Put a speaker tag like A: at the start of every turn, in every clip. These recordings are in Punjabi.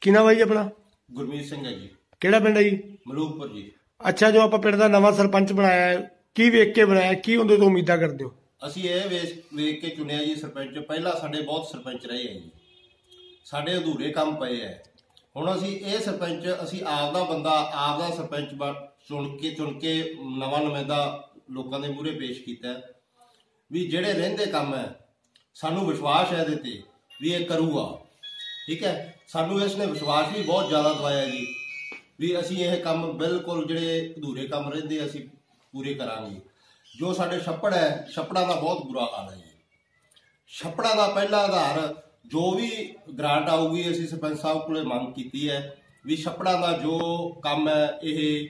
A: ਕੀ ਨਾਮ ਹੈ ਜੀ ਆਪਣਾ?
B: ਗੁਰਮੀਤ ਸਿੰਘ ਹੈ ਜੀ।
A: ਕਿਹੜਾ ਪਿੰਡ ਹੈ ਜੀ?
B: ਮਲੂਕਪੁਰ ਜੀ।
A: ਅੱਛਾ, ਜੋ ਆਪਾਂ ਪਿੰਡ ਦਾ ਨਵਾਂ ਸਰਪੰਚ ਬਣਾਇਆ ਹੈ, ਕੀ ਵੇਖ ਕੇ ਬਣਾਇਆ, ਕੀ ਉਹਦੇ ਤੋਂ ਉਮੀਦਾਂ ਕਰਦੇ ਹੋ?
B: ਅਸੀਂ ਇਹ ਵੇਖ ਕੇ ਚੁਣਿਆ ਜੀ ਸਰਪੰਚ। ਪਹਿਲਾਂ ਸਾਡੇ ਬਹੁਤ ਸਰਪੰਚ ਰਹੇ ਹੈ ਜੀ, ਸਾਡੇ ਅਧੂਰੇ ਕੰਮ ਪਏ ਹੈ। ਹੁਣ ਅਸੀਂ ਇਹ ਸਰਪੰਚ ਅਸੀਂ ਆਪ ਦਾ ਬੰਦਾ ਆਪ ਦਾ ਸਰਪੰਚ ਚੁਣ ਕੇ ਨਵਾਂ ਨੁਮਾਇੰਦਾ ਲੋਕਾਂ ਦੇ ਮੂਹਰੇ ਪੇਸ਼ ਕੀਤਾ ਵੀ ਜਿਹੜੇ ਰਹਿੰਦੇ ਕੰਮ ਹੈ ਸਾਨੂੰ ਵਿਸ਼ਵਾਸ ਹੈ ਇਹਦੇ ਤੇ ਵੀ ਇਹ ਕਰੂਗਾ। ਠੀਕ ਹੈ, ਸਾਨੂੰ ਇਸ ਨੇ ਵਿਸ਼ਵਾਸ ਵੀ ਬਹੁਤ ਜ਼ਿਆਦਾ ਦਵਾਇਆ ਜੀ ਵੀ ਅਸੀਂ ਇਹ ਕੰਮ ਬਿਲਕੁਲ ਜਿਹੜੇ ਅਧੂਰੇ ਕੰਮ ਰਹਿੰਦੇ ਅਸੀਂ ਪੂਰੇ ਕਰਾਂਗੇ। ਜੋ ਸਾਡੇ ਛੱਪੜ ਹੈ, ਛੱਪੜਾਂ ਦਾ ਬਹੁਤ ਬੁਰਾ ਹਾਲ ਹੈ ਜੀ। ਛੱਪੜਾਂ ਦਾ ਪਹਿਲਾ ਆਧਾਰ ਜੋ ਵੀ ਗ੍ਰਾਂਟ ਆਊਗੀ ਅਸੀਂ ਸਰਪੰਚ ਸਾਹਿਬ ਕੋਲੇ ਮੰਗ ਕੀਤੀ ਹੈ ਵੀ ਛੱਪੜਾਂ ਦਾ ਜੋ ਕੰਮ ਹੈ ਇਹ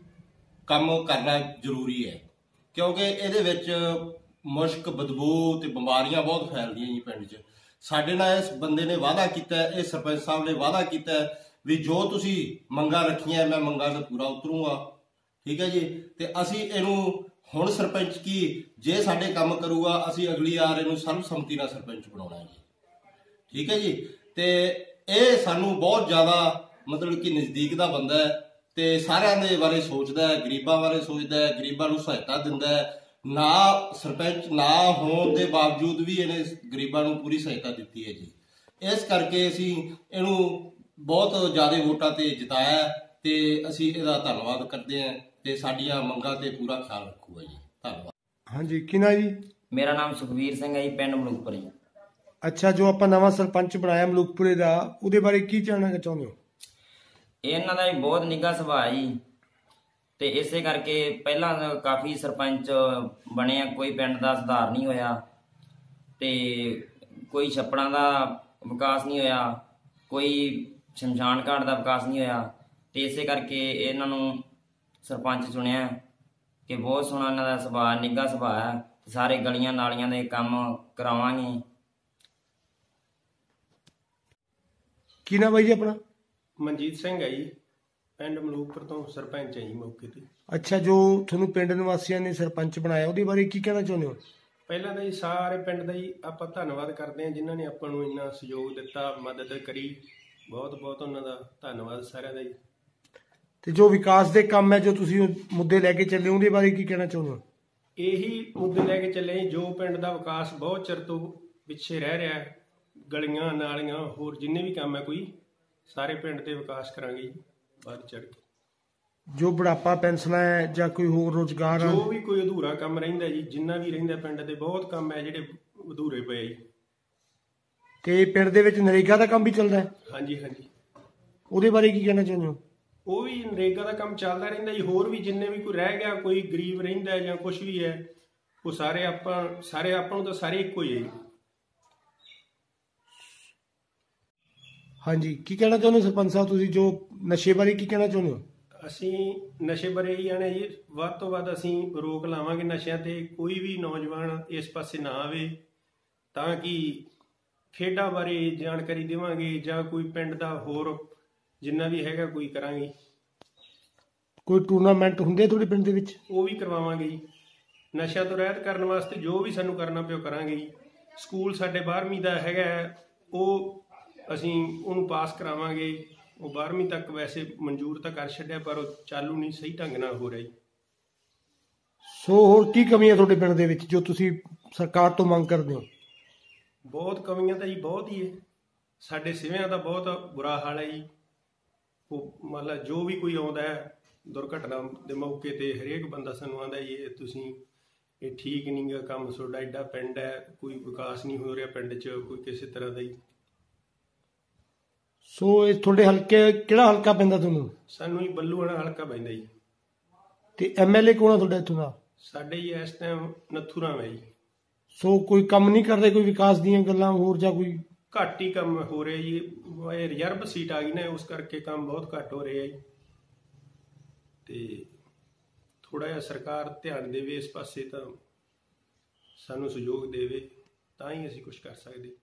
B: ਕੰਮ ਕਰਨਾ ਜ਼ਰੂਰੀ ਹੈ, ਕਿਉਂਕਿ ਇਹਦੇ ਵਿੱਚ ਮੁਸ਼ਕ, ਬਦਬੂ ਤੇ ਬਿਮਾਰੀਆਂ ਬਹੁਤ ਫੈਲਦੀਆਂ ਜੀ ਪਿੰਡ 'ਚ। ਸਾਡੇ ਨਾਲ ਇਸ ਬੰਦੇ ਨੇ ਵਾਅਦਾ ਕੀਤਾ, ਇਹ ਸਰਪੰਚ ਸਾਹਿਬ ਨੇ ਵਾਅਦਾ ਕੀਤਾ ਵੀ ਜੋ ਤੁਸੀਂ ਮੰਗਾਂ ਰੱਖੀਆਂ ਮੈਂ ਮੰਗਾਂ ਤੇ ਪੂਰਾ ਉਤਰੂੰਗਾ। ਠੀਕ ਹੈ ਜੀ, ਤੇ ਅਸੀਂ ਇਹਨੂੰ ਹੁਣ ਸਰਪੰਚ ਕੀ ਜੇ ਸਾਡੇ ਕੰਮ ਕਰੂਗਾ ਅਸੀਂ ਅਗਲੀ ਵਾਰ ਇਹਨੂੰ ਸਰਬਸੰਮਤੀ ਨਾਲ ਸਰਪੰਚ ਬਣਾਉਣਾ ਜੀ। ਠੀਕ ਹੈ ਜੀ, ਤੇ ਇਹ ਸਾਨੂੰ ਬਹੁਤ ਜ਼ਿਆਦਾ ਮਤਲਬ ਕਿ ਨਜ਼ਦੀਕ ਦਾ ਬੰਦਾ ਹੈ ਤੇ ਸਾਰਿਆਂ ਦੇ ਬਾਰੇ ਸੋਚਦਾ ਹੈ, ਗਰੀਬਾਂ ਬਾਰੇ ਸੋਚਦਾ ਹੈ, ਗਰੀਬਾਂ ਨੂੰ ਸਹਾਇਤਾ ਦਿੰਦਾ ਹੈ। ਨਾ ਸਰਪੰਚ ਨਾ ਹੋਣ ਦੇ ਬਾਵਜੂਦ ਵੀ ਇਹਨੇ ਗਰੀਬਾਂ ਨੂੰ ਪੂਰੀ ਸਹਾਇਤਾ ਦਿੱਤੀ ਹੈ ਜੀ। ਇਸ ਕਰਕੇ ਅਸੀਂ ਇਹਨੂੰ ਬਹੁਤ ਜ਼ਿਆਦਾ ਵੋਟਾਂ ਤੇ ਜਿਤਾਇਆ ਤੇ ਅਸੀਂ ਇਹਦਾ ਧੰਨਵਾਦ ਕਰਦੇ ਹਾਂ ਤੇ ਸਾਡੀਆਂ ਮੰਗਾਂ ਤੇ ਪੂਰਾ ਖਿਆਲ ਰੱਖੂਗਾ ਜੀ। ਧੰਨਵਾਦ।
A: ਹਾਂਜੀ, ਕੀ ਨਾਮ ਜੀ?
C: ਮੇਰਾ ਨਾਮ ਸੁਖਵੀਰ ਸਿੰਘ ਹੈ ਜੀ, ਪਿੰਡ ਮਲੂਕਪੁਰ ਜੀ।
A: ਅੱਛਾ, ਜੋ ਆਪਾਂ ਨਵਾਂ ਸਰਪੰਚ ਬਣਾਇਆ ਮਲੂਕਪੁਰੇ ਦਾ, ਉਹਦੇ ਬਾਰੇ ਕੀ ਜਾਣਨਾ ਚਾਹੁੰਦੇ ਹੋ?
C: ਇਹਨਾਂ ਦਾ ਵੀ ਬਹੁਤ ਨਿੱਘਾ ਸੁਭਾਅ ਜੀ, ਤੇ ਇਸੇ ਕਰਕੇ ਪਹਿਲਾਂ ਕਾਫੀ ਸਰਪੰਚ ਬਣੇ ਆ, ਕੋਈ ਪਿੰਡ ਦਾ ਸੁਧਾਰ ਨਹੀਂ ਹੋਇਆ ਤੇ ਕੋਈ ਛੱਪੜਾਂ ਦਾ ਵਿਕਾਸ ਨਹੀਂ ਹੋਇਆ, ਕੋਈ ਸ਼ਮਸ਼ਾਨ ਘਾਟ ਦਾ ਵਿਕਾਸ ਨਹੀਂ ਹੋਇਆ, ਤੇ ਇਸੇ ਕਰਕੇ ਇਹਨਾਂ ਨੂੰ ਸਰਪੰਚ ਚੁਣਿਆ ਕਿ ਬਹੁਤ ਸੋਹਣਾ ਇਹਨਾਂ ਦਾ ਸੁਭਾਅ, ਨਿੱਘਾ ਸੁਭਾਅ ਹੈ। ਸਾਰੇ ਗਲੀਆਂ ਨਾਲੀਆਂ ਦੇ ਕੰਮ ਕਰਾਵਾਂਗੇ।
A: ਕੀ ਨਾਮ ਹੈ ਜੀ ਆਪਣਾ?
D: ਮਨਜੀਤ ਸਿੰਘ ਹੈ ਜੀ, ਪਿੰਡ ਮਲੂਕਪੁਰ ਤੋਂ ਸਰਪੰਚ ਹੈ ਜੀ ਮੌਕੇ ਤੇ।
A: ਅੱਛਾ, ਜੋ ਤੁਹਾਨੂੰ ਪਿੰਡ ਨਿਵਾਸੀਆਂ ਨੇ ਸਰਪੰਚ ਬਣਾਇਆ ਉਹਦੇ ਬਾਰੇ ਕੀ ਕਹਿਣਾ ਚਾਹੁੰਦੇ ਹੋ?
D: ਪਹਿਲਾਂ ਤਾਂ ਜੀ ਸਾਰੇ ਪਿੰਡ ਦਾ ਜੀ ਆਪਾਂ ਧੰਨਵਾਦ ਕਰਦੇ ਹਾਂ ਜਿਨ੍ਹਾਂ ਨੇ ਆਪਾਂ ਨੂੰ ਇੰਨਾ ਸਹਿਯੋਗ ਦਿੱਤਾ, ਮਦਦ ਕਰੀ। ਬਹੁਤ ਬਹੁਤ ਉਹਨਾਂ ਦਾ ਧੰਨਵਾਦ ਸਾਰਿਆਂ ਦਾ ਜੀ।
A: ਤੇ ਜੋ ਵਿਕਾਸ ਦੇ ਕੰਮ ਹੈ, ਜੋ ਤੁਸੀਂ ਮੁੱਦੇ ਲੈ ਕੇ ਚੱਲੇ, ਉਹਦੇ ਬਾਰੇ ਕੀ ਕਹਿਣਾ ਚਾਹੁੰਦੇ ਹੋ?
D: ਇਹੀ ਮੁੱਦੇ ਲੈ ਕੇ ਚੱਲੇ ਜੋ ਪਿੰਡ ਦਾ ਵਿਕਾਸ ਬਹੁਤ ਚਿਰ ਤੋਂ ਪਿੱਛੇ ਰਹਿ ਰਿਹਾ ਹੈ, ਗਲੀਆਂ ਨਾਲੀਆਂ ਹੋਰ ਜਿੰਨੇ ਵੀ ਕੰਮ ਹੈ ਕੋਈ ਸਾਰੇ ਪਿੰਡ ਦੇ ਵਿਕਾਸ ਕਰਾਂਗੇ ਜੀ ਵੱਧ ਚੜ੍ਹ ਕੇ।
A: ਜੋ ਬੁਢਾਪਾ ਪੈਨਸ਼ਨਾਂ ਹੈ ਜਾਂ ਕੋਈ ਹੋਰ ਰੁਜ਼ਗਾਰ,
D: ਜੋ ਵੀ ਕੋਈ ਅਧੂਰਾ ਕੰਮ ਰਹਿੰਦਾ ਜੀ, ਜਿੰਨਾ ਵੀ ਰਹਿੰਦਾ ਪਿੰਡ ਦੇ ਬਹੁਤ ਕੰਮ ਹੈ ਜਿਹੜੇ ਅਧੂਰੇ ਪਏ ਜੀ।
A: ਤੇ ਪਿੰਡ ਦੇ ਵਿੱਚ ਨਰੇਗਾ ਦਾ ਕੰਮ ਵੀ ਚੱਲਦਾ ਹੈ?
D: ਹਾਂਜੀ ਹਾਂਜੀ।
A: ਉਹਦੇ ਬਾਰੇ ਕੀ ਕਹਿਣਾ ਚਾਹੁੰਦੇ ਹੋ?
D: ਉਹ ਵੀ ਨਰੇਗਾ ਦਾ ਕੰਮ ਚੱਲਦਾ ਰਹਿੰਦਾ ਜੀ। ਹੋਰ ਵੀ ਜਿੰਨੇ ਵੀ ਕੋਈ ਰਹਿ ਗਿਆ, ਕੋਈ ਗਰੀਬ ਰਹਿੰਦਾ ਜਾਂ ਕੁਝ ਵੀ ਹੈ, ਉਹ ਸਾਰੇ ਆਪਾਂ ਨੂੰ ਤਾਂ ਸਾਰੇ ਇੱਕੋ ਹੀ ਹੈ ਜੀ।
A: ਹਾਂਜੀ, ਕੀ ਕਹਿਣਾ ਚਾਹੁੰਦੇ ਸਰਪੰਚ ਸਾਹਿਬ ਤੁਸੀਂ, ਜੋ ਨਸ਼ੇ ਬਾਰੇ ਕੀ ਕਹਿਣਾ ਚਾਹੁੰਦੇ ਹੋ?
D: ਅਸੀਂ ਨਸ਼ੇ ਬਾਰੇ ਹੀ ਆਣੇ ਜੀ, ਵੱਧ ਤੋਂ ਵੱਧ ਅਸੀਂ ਰੋਕ ਲਾਵਾਂਗੇ ਨਸ਼ਿਆਂ ਤੇ। ਕੋਈ ਵੀ ਨੌਜਵਾਨ ਇਸ ਪਾਸੇ ਨਾ ਆਵੇ, ਤਾਂ ਕਿ ਖੇਡਾਂ ਬਾਰੇ ਜਾਣਕਾਰੀ ਦੇਵਾਂਗੇ ਜਾਂ ਕੋਈ ਪਿੰਡ ਦਾ ਹੋਰ ਜਿੰਨਾ ਵੀ ਹੈਗਾ ਕੋਈ ਕਰਾਂਗੇ।
A: ਕੋਈ ਟੂਰਨਾਮੈਂਟ ਹੁੰਦੇ ਤੁਹਾਡੇ ਪਿੰਡ ਦੇ ਵਿੱਚ?
D: ਉਹ ਵੀ ਕਰਵਾਵਾਂਗੇ ਜੀ। ਨਸ਼ਿਆਂ ਤੋਂ ਰਹਿਤ ਕਰਨ ਵਾਸਤੇ ਜੋ ਵੀ ਸਾਨੂੰ ਕਰਨਾ ਪਿਓ ਕਰਾਂਗੇ ਜੀ। ਸਕੂਲ ਸਾਡੇ 12ਵੀਂ ਦਾ ਹੈਗਾ, ਉਹ ਅਸੀਂ ਉਹਨੂੰ ਪਾਸ ਕਰਾਵਾਂਗੇ। ਉਹ 12ਵੀਂ ਤੱਕ ਵੈਸੇ ਮਨਜ਼ੂਰ ਤਾਂ ਕਰ ਛੱਡਿਆ, ਪਰ ਉਹ ਚਾਲੂ ਨਹੀਂ ਸਹੀ ਢੰਗ ਨਾਲ ਹੋ ਰਿਹਾ ਜੀ।
A: ਸੋ ਹੋਰ ਕੀ ਕਮੀਆਂ ਤੁਹਾਡੇ ਪਿੰਡ ਦੇ ਵਿੱਚ ਜੋ ਤੁਸੀਂ ਸਰਕਾਰ ਤੋਂ ਮੰਗ ਕਰਦੇ ਹੋ?
D: ਬਹੁਤ ਕਮੀਆਂ ਤਾਂ ਜੀ ਬਹੁਤ ਹੀ ਹੈ। ਸਾਡੇ ਸਿਵਿਆਂ ਦਾ ਬਹੁਤ ਬੁਰਾ ਹਾਲ ਹੈ ਜੀ। ਉਹ ਮਤਲਬ ਜੋ ਵੀ ਕੋਈ ਆਉਂਦਾ ਹੈ ਦੁਰਘਟਨਾ ਦੇ ਮੌਕੇ ਤੇ ਹਰੇਕ ਬੰਦਾ ਸਾਨੂੰ ਆਉਂਦਾ ਜੀ ਇਹ ਤੁਸੀਂ ਇਹ ਠੀਕ ਨਹੀਂ ਗਾ ਕੰਮ, ਤੁਹਾਡਾ ਐਡਾ ਪਿੰਡ ਹੈ, ਕੋਈ ਵਿਕਾਸ ਨਹੀਂ ਹੋ ਰਿਹਾ ਪਿੰਡ 'ਚ ਕੋਈ ਕਿਸੇ ਤਰ੍ਹਾਂ ਦਾ ਹੀ।
A: ਸੋ ਇਹ ਤੁਹਾਡੇ ਹਲਕੇ ਕਿਹੜਾ ਹਲਕਾ ਪੈਂਦਾ ਤੁਹਾਨੂੰ?
D: ਸਾਨੂੰ ਹੀ ਬੱਲੂਆਣਾ ਹਲਕਾ ਪੈਂਦਾ ਜੀ।
A: ਤੇ ਐਮਐਲਏ ਕੌਣ ਆ ਤੁਹਾਡਾ ਇੱਥੋਂ ਦਾ?
D: ਸਾਡੇ ਜੀ ਇਸ ਟਾਈਮ ਨੱਥੂ ਰਾਮ ਹੈ ਜੀ।
A: ਸੋ ਕੋਈ ਕੰਮ ਨਹੀਂ ਕਰਦੇ, ਕੋਈ ਵਿਕਾਸ ਦੀਆਂ ਗੱਲਾਂ ਹੋਰ ਜਾਂ ਕੋਈ?
D: ਘੱਟ ਹੀ ਕੰਮ ਹੋ ਰਿਹਾ ਜੀ। ਇਹ ਰਿਜ਼ਰਵ ਸੀਟ ਆ ਗਈ ਨਾ, ਉਸ ਕਰਕੇ ਕੰਮ ਬਹੁਤ ਘੱਟ ਹੋ ਰਿਹਾ ਜੀ। ਤੇ ਥੋੜਾ ਜਿਹਾ ਸਰਕਾਰ ਧਿਆਨ ਦੇਵੇ ਇਸ ਪਾਸੇ, ਤਾਂ ਸਾਨੂੰ ਸਹਿਯੋਗ ਦੇਵੇ, ਤਾਂ ਹੀ ਅਸੀਂ ਕੁਝ ਕਰ ਸਕਦੇ।